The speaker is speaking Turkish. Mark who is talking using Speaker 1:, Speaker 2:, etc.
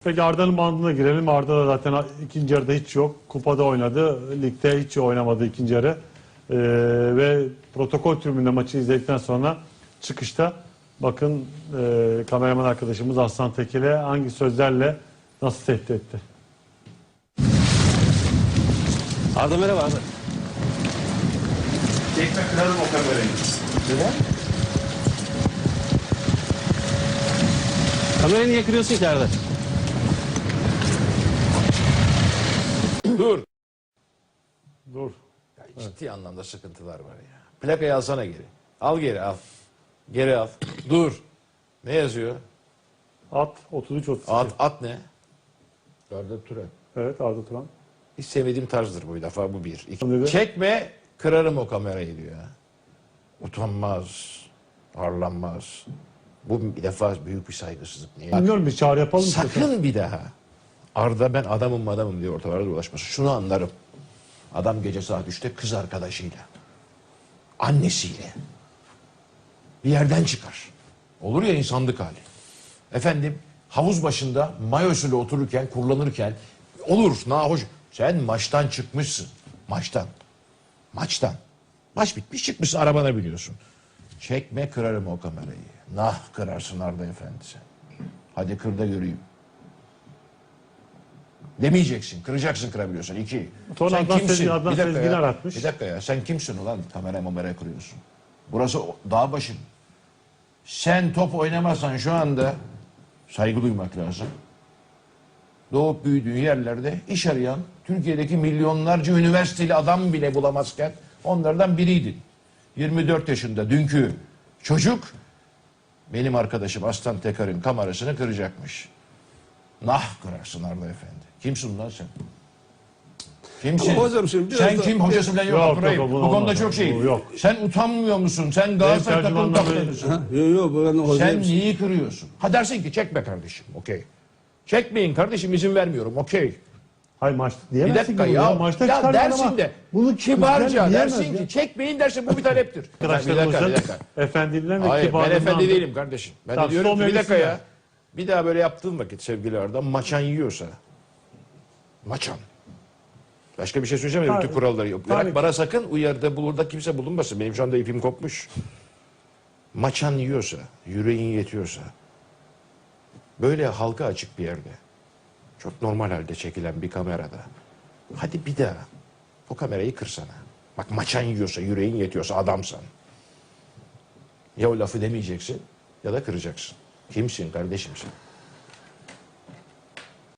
Speaker 1: Peki Arda'nın bandına girelim. Arda da zaten ikinci yarıda hiç yok. Kupada oynadı. Ligde hiç oynamadı ikinci yarı. Ve protokol tribünde maçı izledikten sonra çıkışta bakın kameraman arkadaşımız Aslan Tekel'e hangi sözlerle nasıl tehdit etti.
Speaker 2: Arda merhaba Arda.
Speaker 3: Çekme kırarım o kamerayı.
Speaker 2: Neden? Kamerayı niye kırıyorsun ki Arda?
Speaker 3: Dur.
Speaker 1: Dur.
Speaker 3: Ya ciddi anlamda sıkıntılar var ya. Plakayı alsana geri. Al geri al. Geri al. Dur. Ne yazıyor?
Speaker 1: At 33-32.
Speaker 3: At ne? Arda Turan.
Speaker 1: Evet Arda Turan.
Speaker 3: Hiç sevmediğim tarzdır bu defa, bu bir. İki.
Speaker 1: Dedi.
Speaker 3: Çekme kırarım o kamerayı diyor ya. Utanmaz. Arlanmaz. Bu bir defa büyük bir saygısızlık. Niye?
Speaker 1: Bilmiyorum, bir çağrı yapalım.
Speaker 3: Sakın bir daha Arda ben adamım diye ortalarda dolaşmasın. Şunu anlarım. Adam gece saat 3'te kız arkadaşıyla, annesiyle bir yerden çıkar. Olur ya insanlık hali. Efendim havuz başında mayosuyla otururken, kullanırken olur nahoş. Sen maçtan çıkmışsın. Maçtan. Maç bitmiş, çıkmışsın, arabana biniyorsun. Çekme kırarım o kamerayı. Nah kırarsın Arda Efendi sen. Hadi kır da göreyim. Demeyeceksin. Kıracaksın, kırabiliyorsun. İki.
Speaker 1: Sonra
Speaker 3: Sen
Speaker 1: Adnan
Speaker 3: kimsin?
Speaker 1: Adnan
Speaker 3: Bir dakika
Speaker 1: Sezgin
Speaker 3: ya.
Speaker 1: aratmış.
Speaker 3: Bir dakika ya. Sen kimsin ulan? Kameraya kırıyorsun. Burası dağ başın. Sen top oynamazsan şu anda saygı duymak lazım. Doğup büyüdüğün yerlerde iş arayan Türkiye'deki milyonlarca üniversiteli adam bile bulamazken onlardan biriydin. 24 yaşında dünkü çocuk benim arkadaşım Aslan Teker'in kamerasını kıracakmış. Nah kırarsın Arda Efendi. Kimsin lan sen? Kimsin?
Speaker 2: Ama hocam şimdi biraz
Speaker 3: sen
Speaker 2: da-
Speaker 3: kim? Hocası falan yok.
Speaker 1: Yok,
Speaker 3: Abdurrahim.
Speaker 1: yok,
Speaker 3: Bu
Speaker 1: bu
Speaker 3: konuda
Speaker 1: olmaz.
Speaker 3: çok şey.
Speaker 1: Bu yok.
Speaker 3: Sen utanmıyor musun? Sen Galatasaray takım
Speaker 1: tercümanla
Speaker 3: kaptanısın.
Speaker 2: Yok ben
Speaker 3: Sen
Speaker 2: hocam.
Speaker 3: niye kırıyorsun? Ha dersin ki çekme kardeşim. Okey. Çekmeyin kardeşim, izin vermiyorum. Okey.
Speaker 1: Hayır maçta
Speaker 3: Bir
Speaker 1: diyemezsin
Speaker 3: dakika
Speaker 1: ki
Speaker 3: ya.
Speaker 1: Maçta
Speaker 3: Ya
Speaker 1: çıkarman
Speaker 3: dersin
Speaker 1: ama
Speaker 3: de.
Speaker 1: bunu
Speaker 3: Kibarca
Speaker 1: diyemez
Speaker 3: dersin
Speaker 1: ya.
Speaker 3: ki çekmeyin dersin, bu bir taleptir. Bir dakika.
Speaker 1: Arkadaşlarımızın efendiliğinden ve
Speaker 3: Hayır, ben
Speaker 1: kibarlığından
Speaker 3: efendi
Speaker 1: da-
Speaker 3: değilim kardeşim. Ben
Speaker 1: Tamam,
Speaker 3: de diyorum
Speaker 1: son
Speaker 3: ki bir dakika
Speaker 1: mevzusunda.
Speaker 3: ya. Bir daha böyle yaptığım vakit sevgili Arda, maçan yiyorsa. Maçan. Başka bir şey söyleyeceğim mi?
Speaker 1: Tabii.
Speaker 3: Bütün kuralları yok.
Speaker 1: Tabii
Speaker 3: Bırak
Speaker 1: ki.
Speaker 3: bana sakın uyarıda bulurda kimse bulunmasın. Benim şu anda ipim kopmuş. Maçan yiyorsa, yüreğin yetiyorsa, böyle halka açık bir yerde, çok normal halde çekilen bir kamerada, hadi bir daha o kamerayı kırsana. Bak maçan yiyorsa, yüreğin yetiyorsa, adamsan. Ya o lafı demeyeceksin ya da kıracaksın. Kimsin kardeşim sen?